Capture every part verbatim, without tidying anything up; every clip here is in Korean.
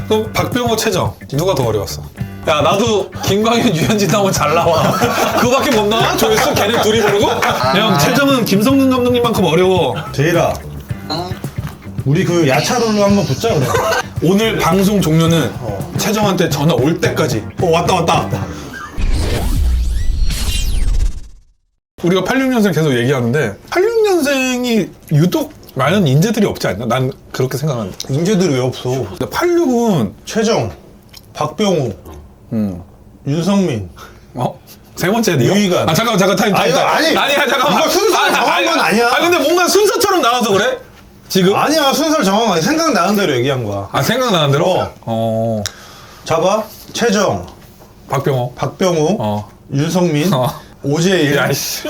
그럼 박병호, 최정 누가 더 어려웠어? 야 나도 김광현, 유현진 나오면 잘 나와. 그거밖에 못 나와? 조회수 걔네 둘이 부르고? 형 최정은 김성근 감독님만큼 어려워. 제일아, 우리 그 야차롤로 한번 붙자 그래. 오늘 방송 종료는 어. 최정한테 전화 올 때까지. 어 왔다 왔다. 우리가 팔십육 년생 계속 얘기하는데 팔십육 년생이 유독 많은 인재들이 없지 않나? 난 그렇게 생각하는데. 인재들이 왜 없어? 근데 팔십육은 최정, 박병호, 음. 윤성민. 어? 세 번째 니요? 유희관. 아 잠깐만 잠깐 타임 타임 아니, 타임. 아니, 아니야 잠깐만. 이거 순서를 정한 건 아니야. 아 근데 뭔가 순서처럼 나와서 그래? 지금? 아니야, 순서를 정한 거 아니야. 생각나는 대로 얘기한 거야. 아 생각나는 대로? 어. 어. 잡아, 최정, 박병호. 박병호, 어. 윤성민, 어. 오재일, 야이씨.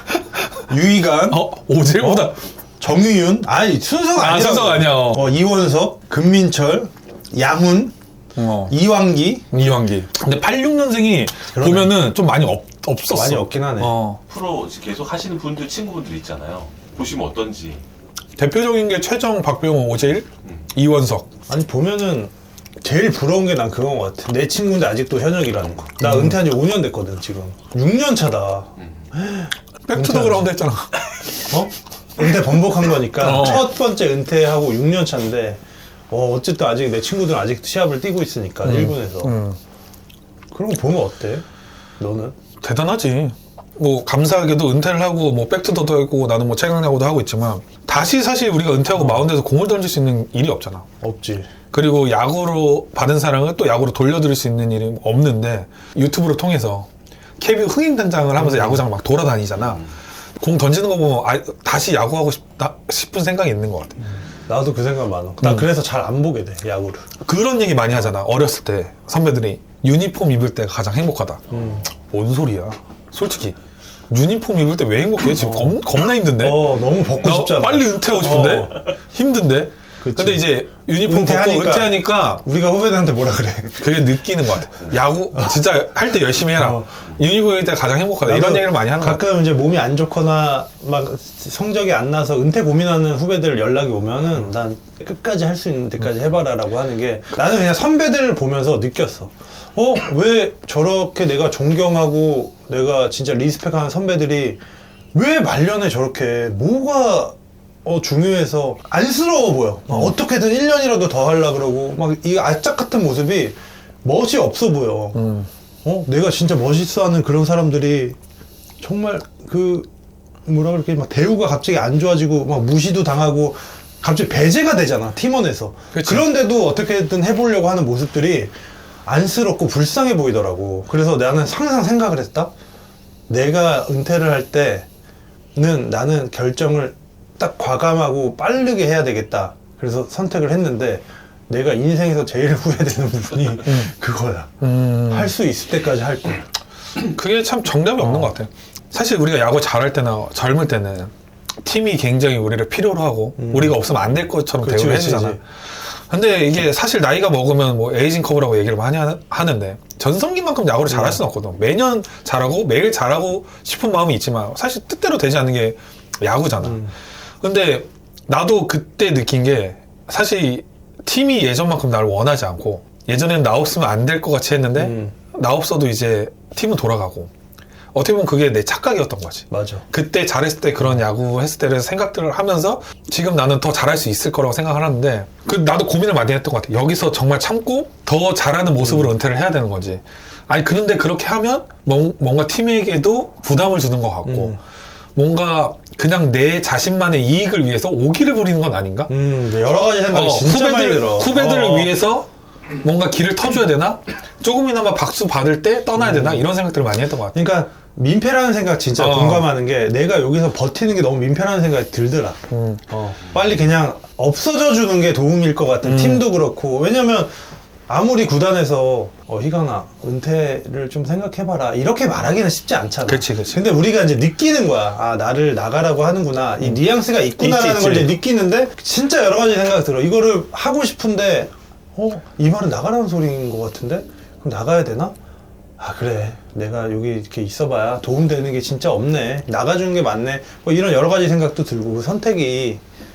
유희관, 어? 오재보다 어? 정유윤. 아니 순서가 아, 아니야. 순서가 아니야. 어. 어, 이원석, 금민철, 양훈, 어. 이완기. 이완기. 근데 팔십육 년생이 그러네. 보면은 좀 많이 없, 없었어. 많이 없긴 하네. 어. 프로 계속 하시는 분들, 친구분들 있잖아요. 보시면 어떤지. 대표적인 게 최정, 박병호, 오재일, 이원석. 아니 보면은 제일 부러운 게 난 그건 것 같아. 내 친구인데 아직도 현역이라는 거. 나 은퇴한 지 오 년 됐거든 지금. 육 년 차다. 백투더 그라운드 했잖아. 어? 은퇴 번복한 거니까 어. 첫 번째 은퇴하고 육 년 차인데 어, 어쨌든 아직 내 친구들은 아직 시합을 뛰고 있으니까 일본에서. 음. 그런 거 보면 어때? 너는? 대단하지. 뭐 감사하게도 은퇴를 하고 뭐 백투더도 하고 나는 뭐 최강야구도 하고 있지만 다시 사실 우리가 은퇴하고 마운드에서 공을 던질 수 있는 일이 없잖아. 없지. 그리고 야구로 받은 사랑을 또 야구로 돌려드릴 수 있는 일이 없는데 유튜브를 통해서 케이비오 흥행단장을 하면서 야구장을 막 돌아다니잖아. 공 던지는 거 보면 아, 다시 야구하고 싶다 싶은 생각이 있는 것 같아. 나도 그 생각 많아. 나 음. 그래서 잘 안 보게 돼 야구를. 그런 얘기 많이 하잖아. 어렸을 때 선배들이 유니폼 입을 때가 가장 행복하다. 음. 뭔 소리야? 솔직히 유니폼 입을 때 왜 행복해? 지금 겁, 겁나 힘든데? 어 너무 벗고 나 싶잖아. 빨리 은퇴하고 싶은데? 어. 힘든데? 그치. 근데 이제 유니폼 은퇴하니까. 벗고 은퇴하니까 우리가 후배들한테 뭐라 그래? 그게 느끼는 것 같아. 야구 진짜 할 때 열심히 해라. 어. 유니폼 입을 때 가장 행복하다. 이런 나도 얘기를 많이 하는 것 같아. 가끔 이제 몸이 안 좋거나 막 성적이 안 나서 은퇴 고민하는 후배들 연락이 오면은 난 끝까지 할 수 있는 데까지 해봐라라고 하는 게 나는 그냥 선배들을 보면서 느꼈어. 어? 왜 저렇게 내가 존경하고 내가 진짜 리스펙하는 선배들이 왜 말년에 저렇게 뭐가 어 중요해서 안쓰러워 보여. 막 어떻게든 일 년이라도 더 하려고 그러고 막 이 아짝 같은 모습이 멋이 없어 보여. 음. 어? 내가 진짜 멋있어하는 그런 사람들이 정말 그 뭐라 그럴게 막 대우가 갑자기 안 좋아지고 막 무시도 당하고 갑자기 배제가 되잖아 팀원에서. 그치. 그런데도 어떻게든 해보려고 하는 모습들이 안쓰럽고 불쌍해 보이더라고. 그래서 나는 항상 생각을 했다. 내가 은퇴를 할 때는 나는 결정을 딱 과감하고 빠르게 해야 되겠다. 그래서 선택을 했는데 내가 인생에서 제일 후회되는 부분이 그거야. 음. 할 수 있을 때까지 할 거야. 그게 참 정답이 없는 것 같아. 사실 우리가 야구 잘할 때나 젊을 때는 팀이 굉장히 우리를 필요로 하고 우리가 없으면 안 될 것처럼 그치, 대우를 그치, 해주잖아. 그치. 근데 이게 사실 나이가 먹으면 뭐 에이징 커브라고 얘기를 많이 하, 하는데 전성기만큼 야구를 잘할 수는 없거든. 매년 잘하고 매일 잘하고 싶은 마음이 있지만 사실 뜻대로 되지 않는 게 야구잖아. 음. 근데 나도 그때 느낀 게 사실 팀이 예전만큼 나를 원하지 않고 예전에는 나 없으면 안 될 것 같이 했는데 음. 나 없어도 이제 팀은 돌아가고 어떻게 보면 그게 내 착각이었던 거지. 맞아. 그때 잘했을 때 그런 야구 했을 때 생각들을 하면서 지금 나는 더 잘할 수 있을 거라고 생각을 하는데 그 나도 고민을 많이 했던 것 같아. 여기서 정말 참고 더 잘하는 모습으로 음. 은퇴를 해야 되는 거지. 아니 그런데 그렇게 하면 뭔, 뭔가 팀에게도 부담을 주는 것 같고 음. 뭔가 그냥 내 자신만의 이익을 위해서 오기를 부리는 건 아닌가? 음, 여러 가지 생각이 어, 진짜 많이 후배들, 들어. 후배들을 어. 위해서 뭔가 길을 터줘야 되나? 조금이나마 박수 받을 때 떠나야 음. 되나? 이런 생각들을 많이 했던 것 같아. 그러니까 민폐라는 생각 진짜 어. 공감하는 게 내가 여기서 버티는 게 너무 민폐라는 생각이 들더라. 음. 어. 빨리 그냥 없어져 주는 게 도움일 것 같아. 음. 팀도 그렇고. 왜냐면 아무리 구단에서 어, 희강아 은퇴를 좀 생각해봐라 이렇게 말하기는 쉽지 않잖아. 그치, 그치. 근데 우리가 이제 느끼는 거야. 아 나를 나가라고 하는구나. 이 뉘앙스가 있구나라는 있지, 걸 있지. 이제 느끼는데 진짜 여러 가지 생각이 들어. 이거를 하고 싶은데 어? 이 말은 나가라는 소리인 것 같은데? 그럼 나가야 되나? 아 그래 내가 여기 이렇게 있어봐야 도움되는 게 진짜 없네. 나가주는 게 맞네. 뭐 이런 여러 가지 생각도 들고 그 선택이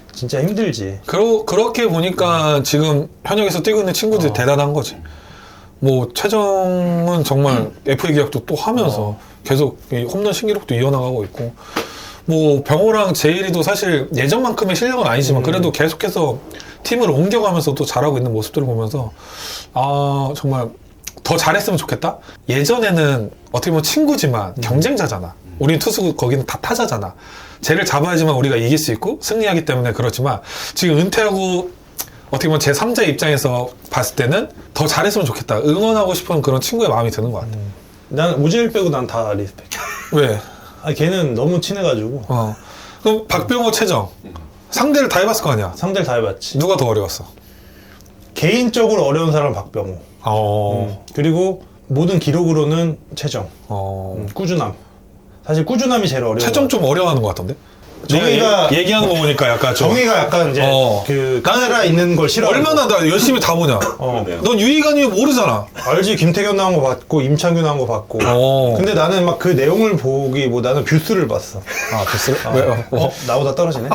진짜 힘들지. 그러, 그렇게 보니까 지금 현역에서 뛰고 있는 친구들이 어. 대단한 거지. 뭐 최정은 정말 에프에이 계약도 또 하면서 어. 계속 이 홈런 신기록도 이어나가고 있고, 뭐 병호랑 제일이도 사실 예전만큼의 실력은 아니지만 음. 그래도 계속해서 팀을 옮겨가면서 또 잘하고 있는 모습들을 보면서 아 정말 더 잘했으면 좋겠다. 예전에는 어떻게 보면 친구지만 음. 경쟁자잖아. 우리 투수 거기는 다 타자잖아. 쟤를 잡아야지만 우리가 이길 수 있고 승리하기 때문에 그렇지만 지금 은퇴하고 어떻게 보면 제삼자의 입장에서 봤을 때는 더 잘했으면 좋겠다. 응원하고 싶은 그런 친구의 마음이 드는 것 같아. 난 오재일 빼고 난 다 리스펙. 왜? 아 걔는 너무 친해가지고 어. 그럼 박병호, 최정 상대를 다 해봤을 거 아니야. 상대를 다 해봤지. 누가 더 어려웠어? 개인적으로 어려운 사람은 박병호. 어. 그리고 모든 기록으로는 최정. 어. 음, 꾸준함. 사실 꾸준함이 제일 어려워. 최정 좀 어려워하는 것 같던데? 정의가- 얘, 얘기하는 거 보니까 약간 좀 정의가 약간 이제 어. 그 카메라 있는 걸 싫어. 얼마나 나 열심히 다 보냐. 어. 그러네요. 넌 유희관이 모르잖아. 알지. 김태균 나온 거 봤고 임창규 나온 거 봤고. 어. 근데 나는 막 그 내용을 보기보다는 뷰스를 봤어. 아 됐어? 왜? 어. 어? 나보다 떨어지네.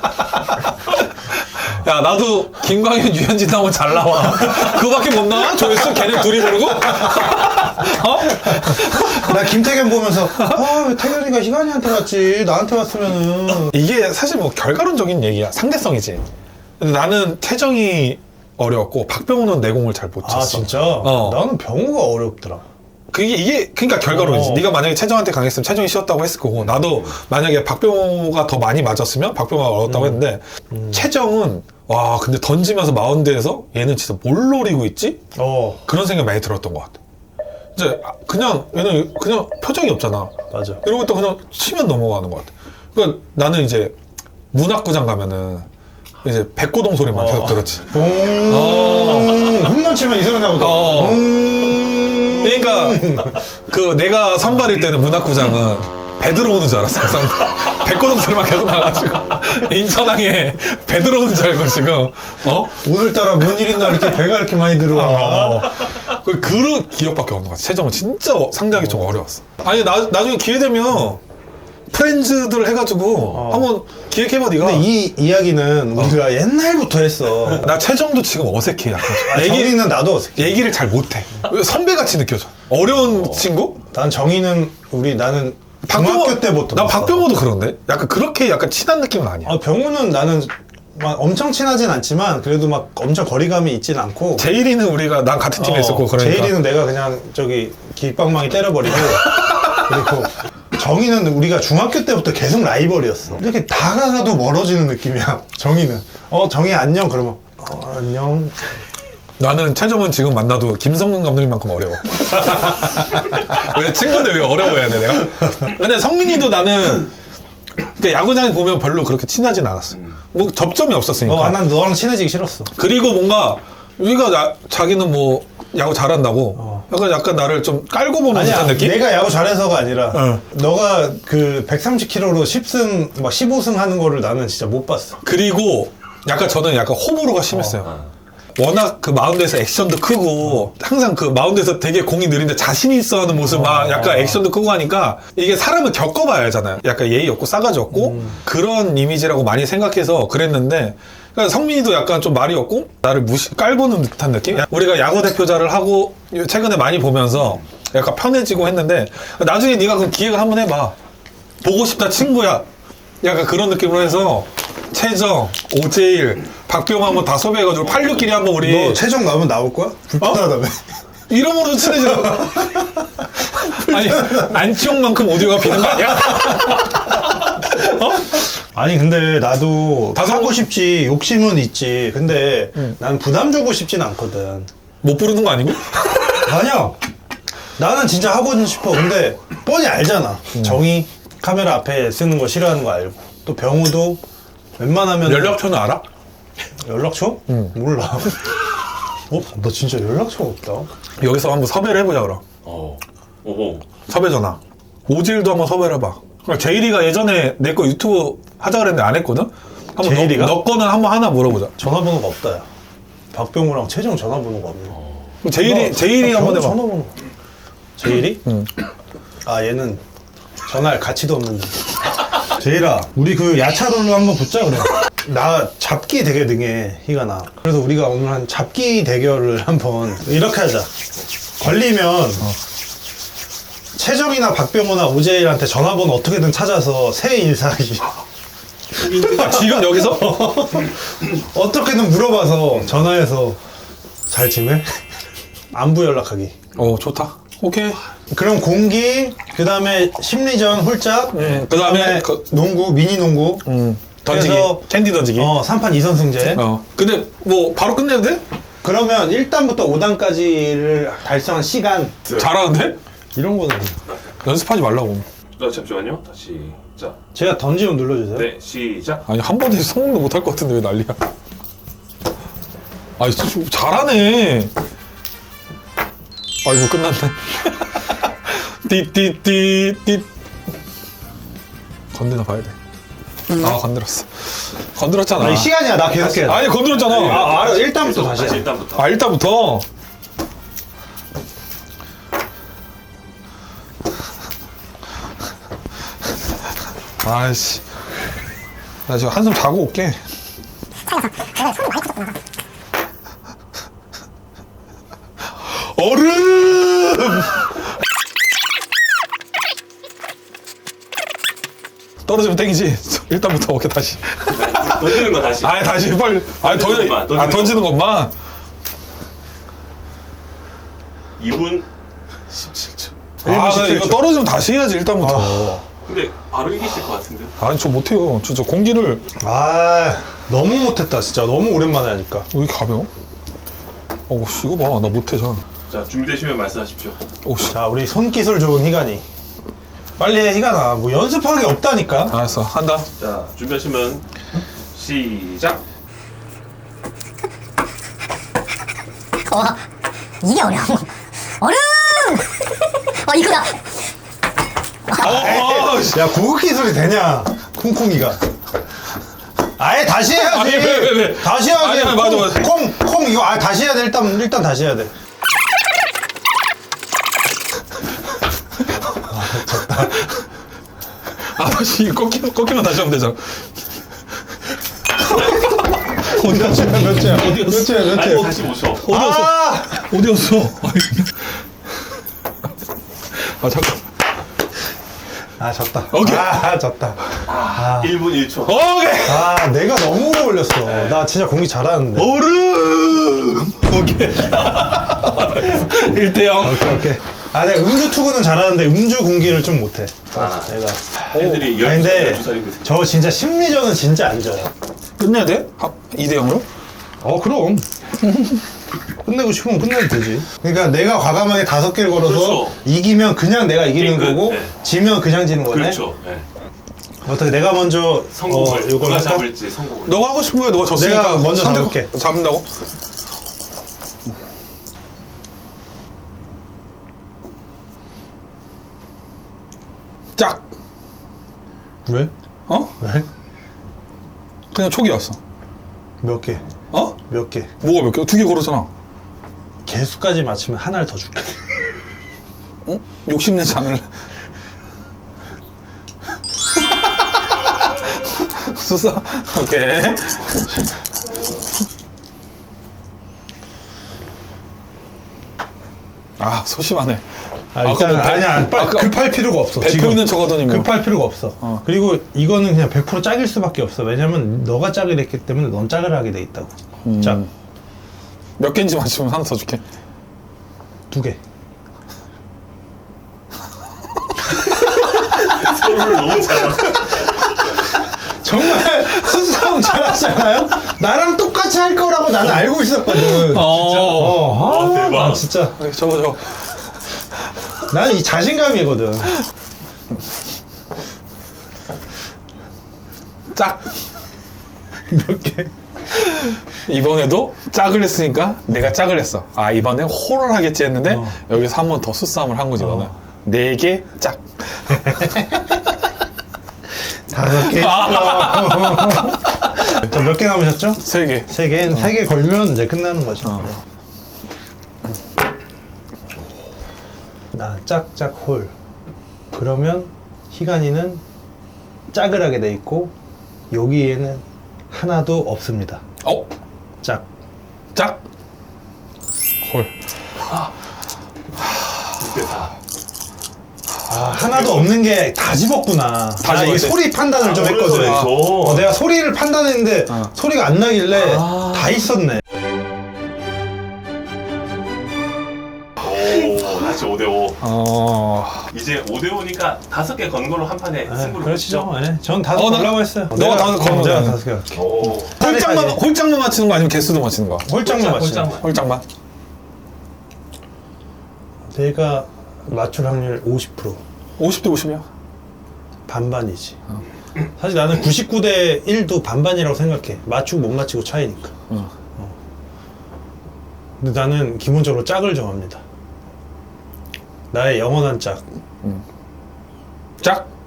야 나도 김광현, 유현진 나오면 잘 나와. 그거밖에 못 나와? 조회수 걔네 둘이 부르고? 어? 나 김태균 보면서 아 왜 태균이가 희관이한테 왔지 나한테 왔으면은. 이게 사실 뭐 결과론적인 얘기야. 상대성이지. 근데 나는 태정이 어려웠고 박병호는 내공을 잘 못 쳤어. 아 진짜? 어. 나는 병우가 어렵더라. 그게 이게 그러니까 결과론이지. 어. 네가 만약에 최정한테 강했으면 최정이 쉬었다고 했을 거고, 나도 만약에 박병호가 더 많이 맞았으면 박병호가 어렵다고 음. 했는데 최정은 와 근데 던지면서 마운드에서 얘는 진짜 뭘 노리고 있지? 어 그런 생각 많이 들었던 것 같아. 이제 그냥 얘는 그냥 표정이 없잖아. 맞아. 이러고 또 그냥 치면 넘어가는 것 같아. 그러니까 나는 이제 문학구장 가면은 이제 백고동 소리만 어. 계속 들었지. 봉 홈런 치면 이 소리 나거든. 어. 봉 그러니까 그 내가 선발일 때는 문학구장은 배 들어오는 줄 알았어. 항상 백고동 소리만 계속 나가지고 인천항에 배 들어오는 줄 알고 지금 어? 오늘따라 뭔 일있나 이렇게 배가 이렇게 많이 들어와. 어. 그 그런 기억밖에 없는 것 같아. 최정은 진짜 어- 상대하기 좀 어려웠어. 아니 나, 나중에 기회 되면 프렌즈들 해가지고 한번 기획해봐 네가. 근데 이 이야기는 우리가 옛날부터 했어. 나 최정도 지금 어색해 약간. 아, 얘기, 정의는 나도 어색해. 얘기를 잘 못해. 선배같이 느껴져. 어려운 친구? 난 정의는 우리 나는 중학교 때부터. 나 봤어. 박병호도 그런데? 약간 그렇게 약간 친한 느낌은 아니야. 아 병우는 나는 막 엄청 친하진 않지만 그래도 막 엄청 거리감이 있진 않고. 제일이는 우리가 난 같은 팀에 어, 있었고 그러니까. 제일이는 내가 그냥 저기 길방망이 때려버리고. 그리고 정의는 우리가 중학교 때부터 계속 라이벌이었어. 이렇게 다가가도 멀어지는 느낌이야. 정의는. 어 정의 안녕 그러면 어, 안녕. 나는 최정은 지금 만나도 김성근 감독님만큼 어려워. 왜 친구인데 왜 어려워해야 돼 내가? 근데 성민이도 나는 그 야구장에 보면 별로 그렇게 친하진 않았어. 뭐 접점이 없었으니까. 어, 난 너랑 친해지기 싫었어. 그리고 뭔가 우리가 나, 자기는 뭐 야구 잘한다고 어. 약간 약간 나를 좀 깔고 보는 아니야, 듯한 느낌? 내가 야구 잘해서가 아니라 어. 너가 그 백삼십 킬로그램로 십 승, 막 십오 승 하는 거를 나는 진짜 못 봤어. 그리고 약간 저는 약간 호불호가 심했어요. 어. 워낙 그 마운드에서 액션도 크고 항상 그 마운드에서 되게 공이 느린데 자신이 있어 하는 모습 막 약간 액션도 크고 하니까 이게 사람을 겪어봐야 알잖아요. 약간 예의 없고 싸가지 없고 그런 이미지라고 많이 생각해서 그랬는데 그러니까 성민이도 약간 좀 말이 없고 나를 무시 깔보는 듯한 느낌? 우리가 야구 대표자를 하고 최근에 많이 보면서 약간 편해지고 했는데 나중에 네가 그 기획을 한번 해봐. 보고 싶다 친구야. 약간 그런 느낌으로 해서 최정, 오재일, 박병호 한번 다 섭외해가지고 팔육끼리 한번 우리 너 최종 나오면 나올 거야? 불편하다며. 이름으로 친해져. 아니 안치홍만큼 오디오가 비는 거 아니야? 어? 아니 근데 나도 다섯 하고 번- 싶지 욕심은 있지. 근데 난 부담 주고 싶진 않거든. 못 부르는 거 아니고? 아니야. 나는 진짜 하고 싶어. 근데 뻔히 알잖아. 정의 카메라 앞에 쓰는 거 싫어하는 거 알고. 또 병우도 웬만하면 연락처는 알아? 연락처? 응. 몰라. 어? 너 진짜 연락처가 없다. 여기서 한번 섭외를 해보자 그럼. 어. 오호. 섭외 전화. 오질도 한번 섭외를 해봐. 그러니까 제일이가 예전에 내 거 유튜브 하자 그랬는데 안 했거든? 한번 제일이가? 너, 너 거는 한번 하나 물어보자. 전화번호가 없다. 야. 박병우랑 최정 전화번호가 없네. 그럼 제일이, 나- 제일이 나 한번 병우 해봐. 전화번호. 제일이? 응. 아 얘는 전화할 가치도 없는데. 제일아, 우리 그 야차롤로 한번 붙자 그래. 나 잡기 되게 능해, 희가나. 그래서 우리가 오늘 한 잡기 대결을 한번 이렇게 하자. 걸리면 어. 최정이나 박병호나 오재일한테 전화번호 어떻게든 찾아서 새해 인사하기. 아, 지금 여기서? 어떻게든 물어봐서 전화해서 잘 지내? 안부 연락하기. 어, 좋다. 오케이. 그럼 공기, 그 다음에 심리전 홀짝, 음, 그다음에 그- 농구, 미니 농구. 음, 던지기. 그래서- 캔디 던지기. 어, 삼 판 이 선승제. 어. 근데 뭐 바로 끝내도 돼? 그러면 일 단부터 오 단까지를 달성한 시간. 잘하는데? 이런 거는. 연습하지 말라고. 자, 잠시만요. 다시. 자, 제가 던지면 눌러주세요. 네, 시작. 아니 한 번에 성공도 못할 것 같은데 왜 난리야? 아이 좀 잘하네. 아이고 끝났네. 띠띠띠띠. 건드나 봐야 돼. 아 건드렸어. 건드렸잖아. 아니, 시간이야. 나 계속 해야 돼. 아니 건드렸잖아. 아, 알아. 일 단부터 계속 다시. 다시 해. 일단부터. 아 일단부터. 아이씨. 나 지금 한숨 자고 올게. 얼음! 떨어지면 땡이지. 일단부터 오케이 다시. 던지는 거 다시. 아 다시 빨리. 아 던, 던지는 것만, 던지는 아 던지는 것만. 이 분 십칠 초. 아 십칠 이거 초. 떨어지면 다시 해야지 일단부터. 근데 바로 이기실 것 같은데. 아니 저 못해요. 저, 저 공기를 아, 너무 못했다. 진짜 너무 오랜만에 하니까. 왜 이렇게 가벼워? 어우 씨 이거 봐 나 못해 저. 자, 준비되시면 말씀하십시오. 오씨. 자, 우리 손기술 좋은 희간이. 빨리 해, 희간아. 뭐 연습하는 게 없다니까. 알았어 한다. 자, 준비하시면 시작. 와 이게 어려워. 얼음. 어 이거다. 어, 씨. 야, 고급 기술이 되냐? 콩콩이가. 아예 다시 해야지. 아니, 왜, 왜, 왜? 다시 해야지. 아니, 아니, 맞아, 맞아. 콩, 콩, 이거 아 다시 해야 돼. 일단 일단 다시 해야 돼. 아 다시 꺾이면 꺾이면 다시 하면 되잖아. 몇 주야, 몇 주야, 몇 주야, 몇 아니, 주야. 사십오 초. 아, 어디였어? 아 잠깐. 아 졌다. 오케이. 아, 졌다. 일 분 일 초. 오케이. 아, 내가 너무 오래 걸렸어. 나 진짜 공기 잘하는데. 얼음. 오케이. 일 대 영. 오케이, 오케이. 아, 내가 음주 투구는 잘하는데 음주 공기를 좀 못해. 아, 내가. 애들이 아니, 근데 열두 살이거든. 저 진짜 심리전은 진짜 안 져요. 끝내야 돼? 이 대 영으로? 어, 그럼. 끝내고 싶으면 끝내도 되지. 그러니까 내가 과감하게 다섯 개를 걸어서 그렇죠. 이기면 그냥 내가 이기는 끝. 거고, 네. 지면 그냥 지는 거네. 그렇죠. 네. 어떻게 내가 먼저 성공을 어, 요걸 누가 할까? 잡을지 성공을. 너가 하고 싶은 거야. 너가 졌으니까. 내가 먼저 선택- 잡을게. 잡는다고? 짝. 왜? 어? 왜? 그냥 촉이었어. 몇 개? 어? 몇 개? 뭐가 몇 개? 두 개 걸었잖아. 개수까지 맞추면 하나를 더 줄게. 어? 욕심내지 않을래? 수사. 오케이. 아 소심하네. 아, 일단 그거 배- 아니야. 빨리 아까 급할 필요가 없어. 배포 지금. 있는 척 하더니 뭐. 급할 필요가 없어. 어. 그리고 이거는 그냥 백 퍼센트 짝일 수밖에 없어. 왜냐면 너가 짝을 했기 때문에 넌 짝을 하게 돼 있다고. 음. 짝. 몇 개인지 맞추면 하나 더 줄게. 두 개. 서로를 너무 잘하. 정말 수싸움 잘하잖아요? 나랑 똑같이 할 거라고 나는 알고 있었거든. 어. 어, 아, 어, 대박. 나 진짜. 저거 저거. 나는 이 자신감이거든. 짝. 몇 개? 이번에도 짝을 했으니까 내가 짝을 했어. 아 이번에 호를 하겠지 했는데 어. 여기서 한 번 더 수싸움을 한 거지 이거는. 네 개 짝. 다섯 개. 자, 몇 개 남으셨죠? 세 개. 세 개. 세 개 걸면 이제 끝나는 거죠. 어. 나 짝짝 홀. 그러면 희간이는 짝을 하게 돼 있고 여기에는 하나도 없습니다. 어? 짝. 짝? 홀. 아, 하나도 없는 게 다 집었구나. 다 나 이 집었지. 소리 판단을 좀 아, 했거든. 그래서 그래서. 어, 내가 소리를 판단했는데 어. 소리가 안 나길래 아. 다 있었네. 오, 다시 오 대 오. 어. 이제 오 대 오니까 다섯 개 건 걸로 한 판에 네, 승부를 그렇죠. 네, 전 다섯 어, 나- 걸라고 했어요. 너가 내가- 다섯 걸면 제가 나는. 다섯 개 할게. 오. 홀짝만, 홀짝만 맞히는 거 아니면 개수도 맞히는 거? 홀짝만 맞추 홀짝만. 홀짝만? 내가 맞출 확률 오십 퍼센트. 오십 대 오십이야? 반반이지. 사실 나는 구십구 대 일도 반반이라고 생각해. 맞추고 못 맞추고 차이니까. 응. 어. 근데 나는 기본적으로 짝을 정합니다. 나의 영원한 짝. 짝?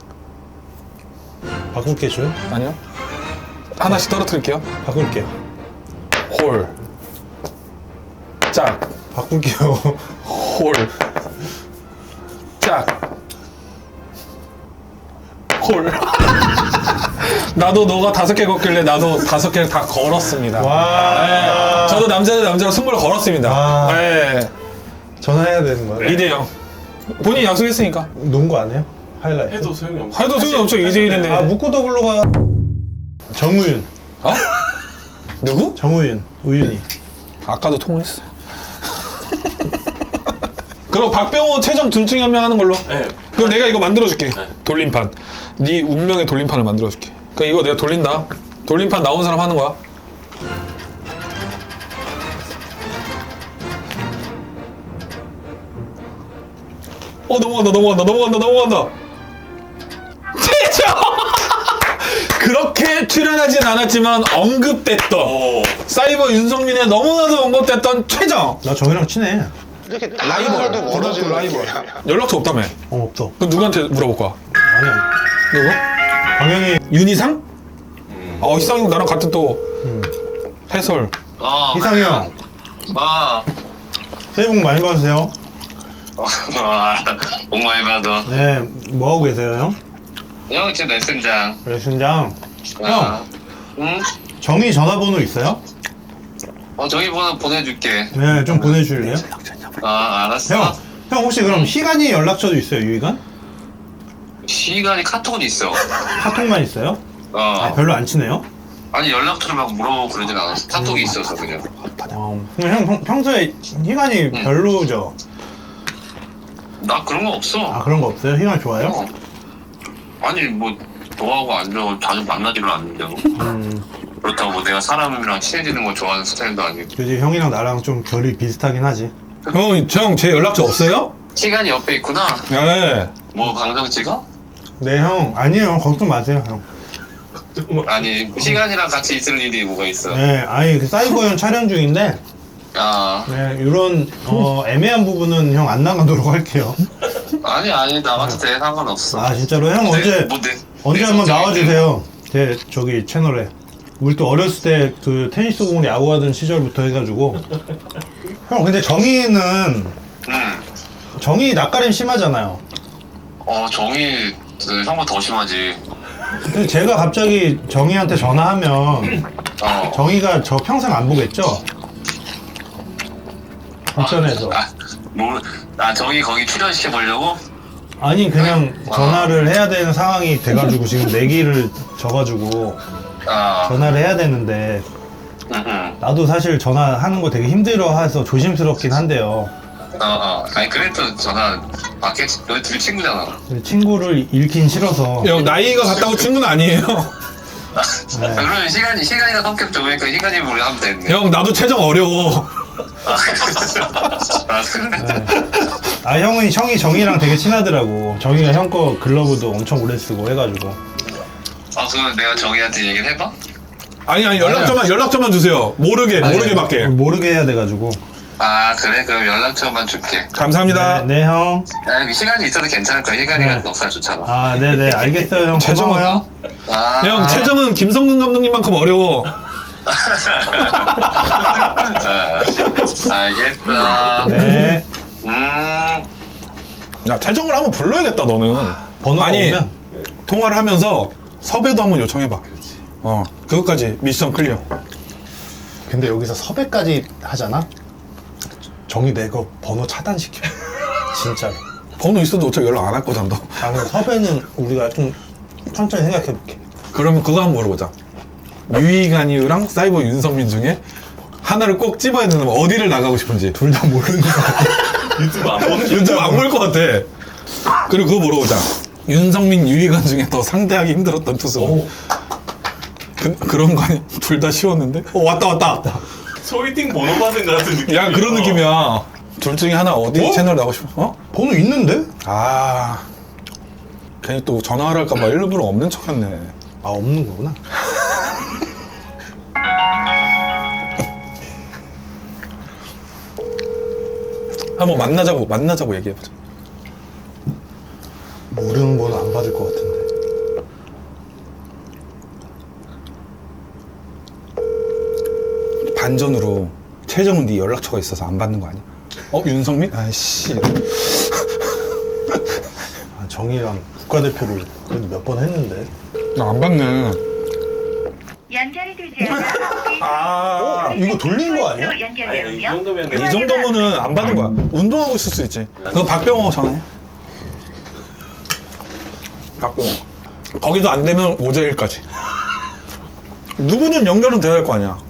바꿀게 줘요? 아니요. 하나씩 떨어뜨릴게요. 바꿀게요. 홀. 짝. 바꿀게요. 홀. 짝. 홀. 나도 너가 다섯 개 걷길래 나도 다섯 개를 다 걸었습니다. 와. 네, 저도 남자 대 남자로 승부를 걸었습니다. 아. 네. 전화해야 되는 거예요? 이 대 영. 본인이 약속했으니까. 농구 안 해요? 하이라이트? 해도 소용이 없어. 해도 소용이 없죠. 이 대 일인데. 아, 묶고 더블로 가. 정우윤. 어? 누구? 정우윤. 우윤이. 아까도 통화했어. 그럼 박병호, 최정 둘 중에 한 명 하는 걸로. 네. 그럼 내가 이거 만들어줄게. 돌림판. 네 운명의 돌림판을 만들어줄게. 그러니까 이거 내가 돌린다. 돌림판 나온 사람 하는 거야. 어 넘어간다 넘어간다 넘어간다 넘어간다. 최정! 그렇게 출연하진 않았지만 언급됐던 오. 사이버 윤성민의 너무나도 언급됐던 최정. 나 정우랑 친해. 라이벌. 멀어지는 라이벌. 연락처 없다며. 어, 없어. 그럼 누구한테 물어볼 거야? 아니야. 누구? 당연히 윤희상? 어, 희상이 나랑 같은 또 해설. 어, 이상이 형. 아, 새해 복 많이 받으세요. 복 많이 받아. 네, 뭐 하고 계세요, 형? 형, 지금 레슨장. 레슨장. 아, 형, 응? 정희 전화번호 있어요? 어, 저기 번호 보내줄게. 네, 좀 보내주실래요? 아, 알았어. 형, 형 혹시 그럼 희간이 연락처도 있어요, 유희간? 시간이 카톡은 있어. 카톡만 있어요? 어. 아, 별로 안 친해요? 아니, 연락처를 막 물어보고 그러진 않았어. 카톡이 있어서 그냥. 어, 그럼 형 평- 평소에 희간이 별로죠? 나 그런 거 없어. 아, 그런 거 없어요? 희간 좋아요? 어. 아니, 뭐, 좋아하고 안 좋아하고 자주 만나지를 않는데. 음, 그렇다고 뭐 내가 사람이랑 친해지는 거 좋아하는 스타일도 아니고. 그지 형이랑 나랑 좀 결이 비슷하긴 하지. 형, 형, 제 연락처 없어요? 시간이 옆에 있구나. 네. 뭐, 방송 찍어? 네, 형. 아니에요. 걱정 마세요, 형. 아니, 시간이랑 같이 있을 일이 뭐가 있어. 네, 아니, 그 사이버형 촬영 중인데, 아, 네, 이런, 어, 애매한 부분은 형 안 나가도록 할게요. 아니, 아니, 나와도 돼. 상관없어. 아, 진짜로? 형 네, 언제, 뭐 내- 언제 내 한번 성장이 나와주세요. 제, 저기, 채널에. 우리 또 어렸을 때 그 테니스 공을 야구하던 시절부터 해가지고. 형, 근데 정의는, 응. 정의 낯가림 심하잖아요. 어, 정이 그 형보다 더 심하지. 근데 제가 갑자기 정의한테 전화하면, 어. 정의가 저 평생 안 보겠죠? 불편해서. 아, 뭐, 아, 정이 거기 출연시켜 보려고? 아니, 그냥 전화를 해야 되는 상황이 돼가지고 지금 내기를 져가지고 아, 전화를 해야 되는데, 응, 응. 나도 사실 전화하는 거 되게 힘들어해서 조심스럽긴 한데요. 어, 어. 아니, 그래도 전화 받겠지. 너희 둘이 친구잖아. 근데 친구를 잃긴 싫어서. 형, 나이가 같다고 친구는 아니에요. 아, 그러면 시간이, 시간이가 성격 좋으니까 시간이 우리 하면 되겠네. 형, 나도 최정 어려워. 아, 아, 그래? 아, 형은, 형이 정이랑 되게 친하더라고. 정이가 형 거 글러브도 엄청 오래 쓰고 해가지고. 아, 그러면 내가 정이한테 얘기를 해봐? 아니, 아니, 연락처만, 연락처만 주세요. 모르게, 모르게 받게. 모르게 해야 돼가지고. 아, 그래? 그럼 연락처만 줄게. 감사합니다. 네, 네, 형. 아, 시간이 있어도 괜찮을 거야. 시간이가 네. 넉살 좋잖아. 아, 네네. 알겠어요, 형. 최정아. 고마워요. 아, 형, 최정은 김성근 감독님만큼 어려워. 아, 알겠어. 네. 음, 야, 최정을 한번 불러야겠다, 너는. 번호가 아니, 오면. 통화를 하면서 섭외도 한번 요청해봐. 어 그것까지 미션 클리어. 근데 여기서 섭외까지 하잖아? 정이 내 거 번호 차단시켜. 진짜로. 번호 있어도 어차피 연락 안 할 거잖아 너. 아, 그럼 섭외는 우리가 좀 천천히 생각해볼게. 그러면 그거 한번 물어보자. 유이간이랑 사이버 윤성민 중에 하나를 꼭 집어야 되면 어디를 나가고 싶은지. 둘 다 모르는 거 같아. 유튜브 안 보는 요즘 안 볼 것 같아. 그리고 그거 물어보자. 윤성민, 유이간 중에 더 상대하기 힘들었던 투수. 그, 그런 거 아니야? 둘 다 쉬웠는데? 어 왔다 왔다. 소개팅 번호 받은 것 같은 느낌. 야 그런 느낌이야. 둘 중에 하나 어디 어? 채널 나가고 싶어? 어? 번호 있는데? 아 괜히 또 전화를 할까봐 일부러 없는 척했네. 아, 없는 거구나. 한번 만나자고 만나자고 얘기해보자. 모르는 번호 안 받을 것 같은데. 반전으로 최정은 네 연락처가 있어서 안 받는 거 아니야? 어 윤성민? 아이씨. 아, 정이랑 국가대표를 그래도 몇 번 했는데. 나 안 받네. 연결이 되지 않아. 아 이거 돌린 거 아니야? 아니 이 연결되면 정도면 이 정도면은 안 받는 거야. 운동하고 있을 수 있지. 그거 박병호 전화해. 박병호. 거기도 안 되면 오제일까지. 누구는 연결은 돼야 할 거 아니야.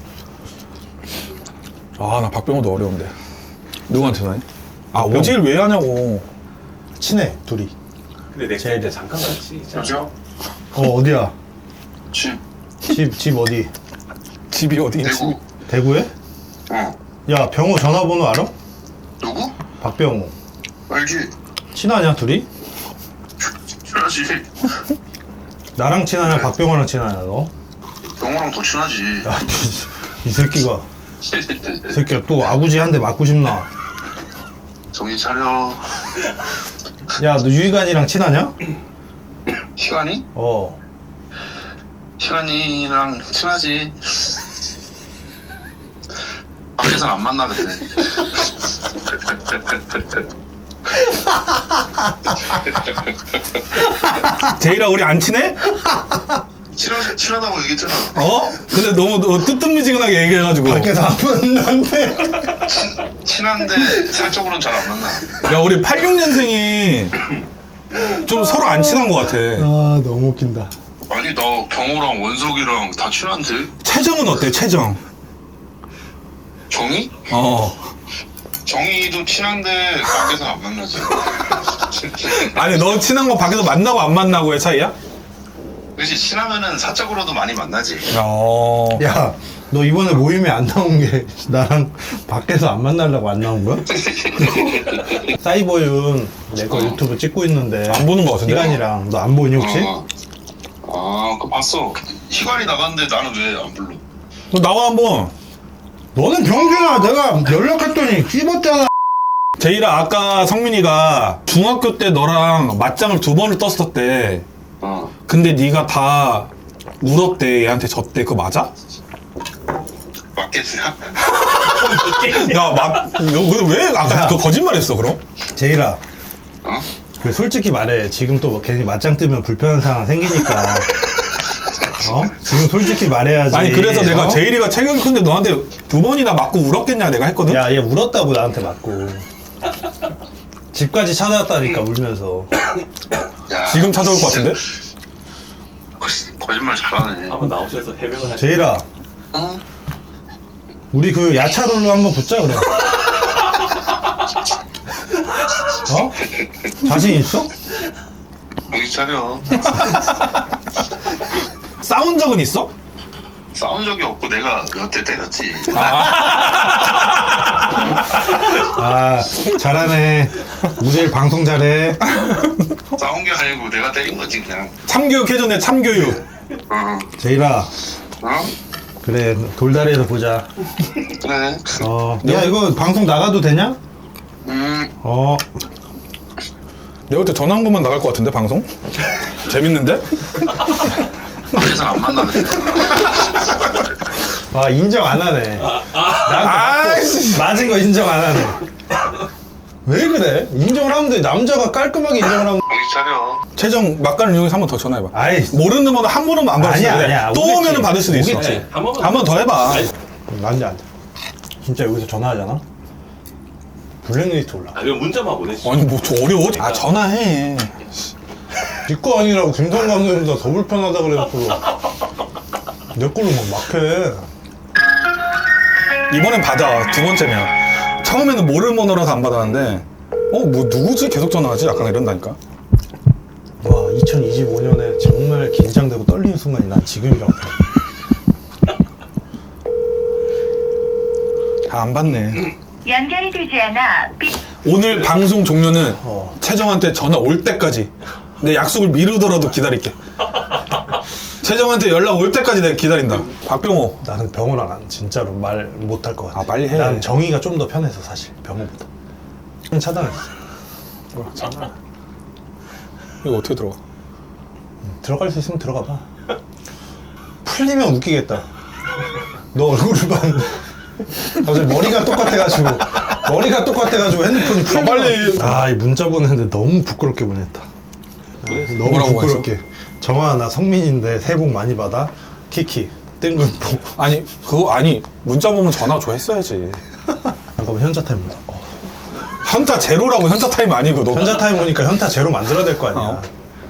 아, 나 박병호도 어려운데. 누구한테 전화해? 아, 오제일 왜 하냐고. 친해, 둘이. 근데 내 제일 때 잠깐 같이 여보세요? 어, 어디야? 집 집, 집 어디? 집이 어디 있지? 대구. 대구에? 어. 야, 병호 전화번호 알아? 누구? 박병호. 알지? 친하냐, 둘이? 친하지. 나랑 친하냐, 박병호랑 친하냐, 너? 영호랑 더 친하지. 야, 이, 이 새끼가. 이 새끼가 또 아구지 한 대 맞고 싶나? 정신 차려. 야, 너 유희관이랑 친하냐? 시간이? 어. 시간이랑 친하지. 밖에서는 안 만나는데. 제일아, 우리 안 친해? 친하, 친하다고 얘기했잖아. 어? 근데 너무 너 뜨뜻미지근하게 얘기해가지고. 밖에서 안 만난대. 친한데 사적으로는 잘 안 만나. 야, 우리 팔십육 년생이 좀 서로 안 친한 것 같아. 아, 너무 웃긴다. 아니 나 경호랑 원석이랑 다 친한데. 최정은 어때, 최정? 정이? 어. 정이도 친한데 밖에서 안 만나지. 아니, 너 친한 거 밖에서 만나고 안 만나고의 차이야? 그렇지 친하면은 사적으로도 많이 만나지. 어. 야, 너 이번에 모임에 안 나온 게 나랑 밖에서 안 만나려고 안 나온 거야? 사이버윤 내 거 유튜브 찍고 있는데 안 보는 거 같은데? 희간이랑 너 안 보니 혹시? 어. 아, 그거 봤어. 희관이 나갔는데 나는 왜 안 불러? 너 나와 한번. 너는 병준아 내가 연락했더니 씹었잖아. 제이라, 아까 성민이가 중학교 때 너랑 맞짱을 두 번을 떴었대. 어. 근데 네가 다 울었대. 얘한테 졌대. 그거 맞아? 맞겠냐? 야, 맞, 너 왜 아까 야. 그 거짓말했어, 그럼? 제이라 어? 그 솔직히 말해 지금 또 괜히 맞짱 뜨면 불편한 상황 생기니까 어? 지금 솔직히 말해야지. 아니, 그래서 내가 어? 제일이가 체격이 큰데 너한테 두 번이나 맞고 울었겠냐 내가 했거든? 야, 얘 울었다고 나한테 맞고 집까지 찾아왔다니까 울면서. 야, 지금 찾아올 것 같은데? 거- 거짓말 잘하네. 한번 나오셔서 해명을 하시. 제이라 어? 우리 그 야차롤로 한번 붙자 그래. 어? 자신 있어? 정신 차려. 싸운 적은 있어? 싸운 적이 없고 내가 몇 대 때렸지. 아, 잘하네. 우재일 방송 잘해. 싸운 게 아니고 내가 때린 거지 그냥. 참교육 해줬네, 참교육. 어. 제이라 어? 그래 돌다리에서 보자. 그래. 어, 야 이거 방송 나가도 되냐? 음. 어, 내가 그때 전화 한 번만 나갈 것 같은데, 방송? 재밌는데? 밖에서 안 만나는데. 아 인정 안 하네. 나한테 아이씨. 맞고 맞은 거 인정 안 하네. 왜 그래? 인정을 하면 돼. 남자가 깔끔하게 인정을 하면. 정신 차려. 최정 막간을 이용해서 한 번 더 전화해봐. 아이, 모르는 번호 한 번은 안 받을 수도 아니야, 있는데 아니야. 또 오겠지. 오면은 받을 수도 있어. 오겠지. 네, 한 번만 한 번 더 해봐. 아니, 안 돼, 안 돼. 진짜 여기서 전화하잖아? 블랙리스트 올라. 아니면 문자만 보내시죠. 아니 뭐 저 어려워? 아 전화해. 니거 아니라고 김성 감독님보다 더 불편하다 그래갖고 내 걸로 막 막해. 이번엔 받아. 두 번째면. 처음에는 모르는 번호라서 안 받았는데 어 뭐 누구지? 계속 전화하지? 약간 이런다니까. 와, 이천이십오 년에 정말 긴장되고 떨리는 순간이 난 지금이라고. 다 안 받네. 연결이 되지 않아 삐 오늘 방송 종료는 어. 최정한테 전화 올 때까지 내 약속을 미루더라도 기다릴게. 최정한테 연락 올 때까지 내가 기다린다. 박병호. 나는 병원 안 가. 진짜로 말 못할 것 같아. 아, 빨리 해. 난 정의가 좀 더 편해서 사실 병원보다. 차단했어. 이거 어떻게 들어가? 들어갈 수 있으면 들어가 봐. 풀리면 웃기겠다. 너 얼굴을 봤는데 갑자기 머리가 똑같아가지고 머리가 똑같아가지고 핸드폰이 풀려. 빨리. 아, 이 문자 보냈는데 너무 부끄럽게 보냈다. 너무 뭐라고 부끄럽게. 정아, 나 성민인데 새해 복 많이 받아. 키키 뜬금포. 아니 그거 아니 문자 보면 전화 줘 했어야지. 잠깐만, 현자 타임 보자. 어. 현타 제로라고 현타 타임 아니고 너. 현자 타임 오니까 현타 제로 만들어야 될 거 아니야. 어.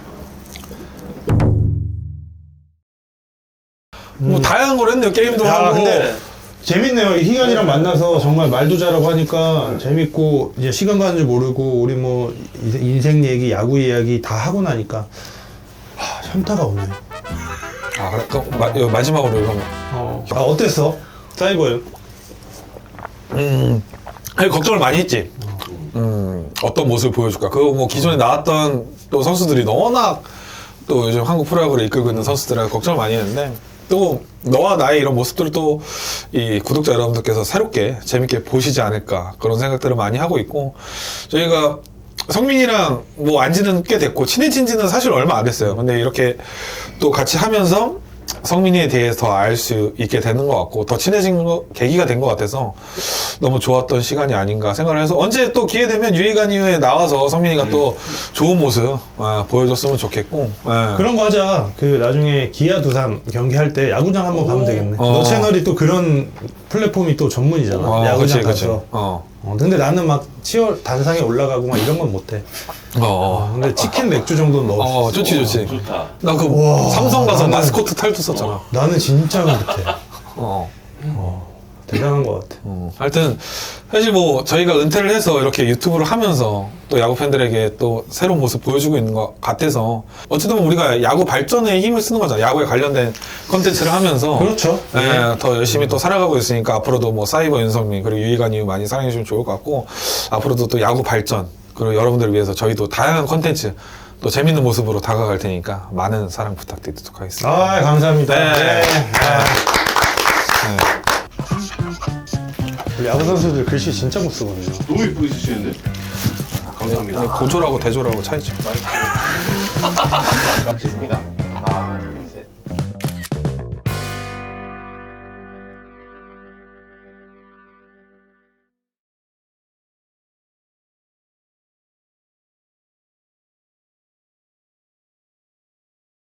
뭐 다양한 걸 했네요. 게임도 야, 하고. 근데 재밌네요. 희간이랑 만나서 정말 말도 잘하고 하니까 재밌고, 이제 시간 가는 줄 모르고 우리 뭐 이- 인생 얘기, 야구 이야기 다 하고 나니까 하, 현타가 오네. 아 그래. 그, 마, 이거 마지막으로 이거. 어. 아, 어땠어? 사이버요? 음. 아니, 걱정을 많이 했지. 음, 어떤 모습을 보여줄까. 그거 뭐 기존에 나왔던 또 선수들이 워낙 또 요즘 한국 프로야구를 이끌고 있는 선수들이라 걱정을 많이 했는데 또 너와 나의 이런 모습들을 또 이 구독자 여러분들께서 새롭게 재밌게 보시지 않을까 그런 생각들을 많이 하고 있고 저희가 성민이랑 뭐 안지는 꽤 됐고 친해진 지는 사실 얼마 안 됐어요. 근데 이렇게 또 같이 하면서 성민이에 대해서 더 알 수 있게 되는 것 같고 더 친해진 거, 계기가 된 것 같아서 너무 좋았던 시간이 아닌가 생각을 해서 언제 또 기회 되면 유희관 이후에 나와서 성민이가 또 좋은 모습 아, 보여줬으면 좋겠고 예. 그런 거 하자. 그 나중에 기아 두산 경기할 때 야구장 한번 가면 되겠네. 어. 너 채널이 또 그런 플랫폼이 또 전문이잖아. 어, 야구장 그치, 그치. 가서. 어. 어, 근데 나는 막 치열 단상에 올라가고 막 이런 건 못해. 어, 어, 어. 근데 치킨 맥주 정도는 넣을 수 어, 있어. 좋지, 좋지. 좋다. 나 그 우와, 삼성 가서 나는- 마스코트 탈도 썼잖아. 나는 진짜 못해. 어. 대단한 것 같아. 어. 하여튼 사실 뭐 저희가 은퇴를 해서 이렇게 유튜브를 하면서 또 야구 팬들에게 또 새로운 모습 보여주고 있는 것 같아서 어쨌든 우리가 야구 발전에 힘을 쓰는 거잖아. 야구에 관련된 컨텐츠를 하면서 그렇죠. 예, 더 열심히 또 살아가고 있으니까 앞으로도 뭐 사이버 윤성민 그리고 유희관 이후 많이 사랑해 주시면 좋을 것 같고 앞으로도 또 야구 발전 그리고 여러분들을 위해서 저희도 다양한 컨텐츠 또 재밌는 모습으로 다가갈 테니까 많은 사랑 부탁드리도록 하겠습니다. 아, 감사합니다. 네. 네. 아, 네. 우리 야구 선수들 글씨 진짜 못 쓰거든요. 너무 이쁘게 쓰시는데. 감사합니다. 고조라고 대조라고 차이죠. 감사합니다.